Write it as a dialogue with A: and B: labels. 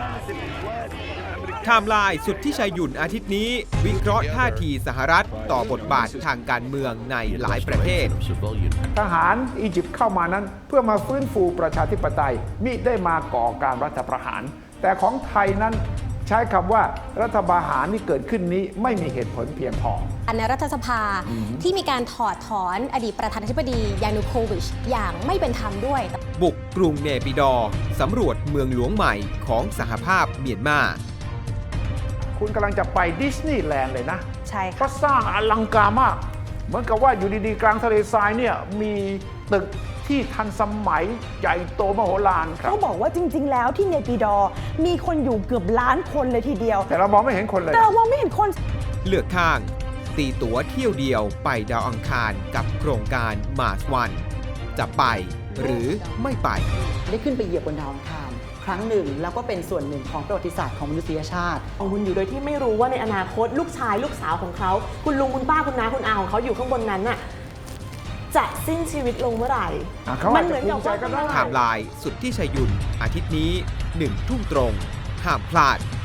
A: ไทม์ไลน์สุดที่ชัยหยุ่นอาทิตย์นี้วิเคราะห์ท่าทีสหรัฐต่อบทบาททางการเมืองในหลายประเทศ
B: ทหารอียิปต์เข้ามานั้นเพื่อมาฟื้นฟูประชาธิปไตยมิได้มาก่อการรัฐประหาร แต่ของไทยนั้นใช้คำว่ารัฐประหารที่เกิดขึ้นนี้ไม่มีเหตุผลเพียงพอ
C: ในรัฐสภาที่มีการถอดถอนอดีตประธานาธิบดียานูโควิชอย่างไม่เป็นธรรมด้วย
A: บุกกรุงเนปิดอร์สำรวจเมืองหลวงใหม่ของสหภาพเมียนมา
B: คุณกำลังจะไปดิสนีย์แลนด์เลยนะ
C: ใช่ค่ะ
B: ก็สร้างอลังการมากเหมือนกับว่าอยู่ดีๆกลางทะเลทรายเนี่ยมีตึกที่ทันสมัยใหญ่โตมโหฬารครับ
D: เขาบอกว่าจริงๆแล้วที่เนปิดอร์มีคนอยู่เกือบล้านคนเลยทีเดียว
B: แต่เรามองไม่เห็นคนเลย
D: แต่เรามองไม่เห็นคน
A: เลือกข้างตีตั๋วเที่ยวเดียวไปดาวอังคารกับโครงการมาร์สวันจะไปหรือไม่ไป
E: ได้ขึ้นไปเหยียบบนดาวอังคารครั้งหนึ่งแล้วก็เป็นส่วนหนึ่งของประวัติศาสตร์ของมนุษยชาติ
F: ของคุณอยู่โดยที่ไม่รู้ว่าในอนาคตลูกชายลูกสาวของเขาคุณลุงคุณป้าคุณน้าคุณอาของเขาอยู่ข้างบนนั้นน่ะจะสิ้นชีวิตลงเมื่อไหร่
B: มันเหมือนกับว่า
A: ไทม์ไลน์สุดที่ชัยหยุ่นอาทิตย์นี้1 ทุ่มตรงห้ามพลาด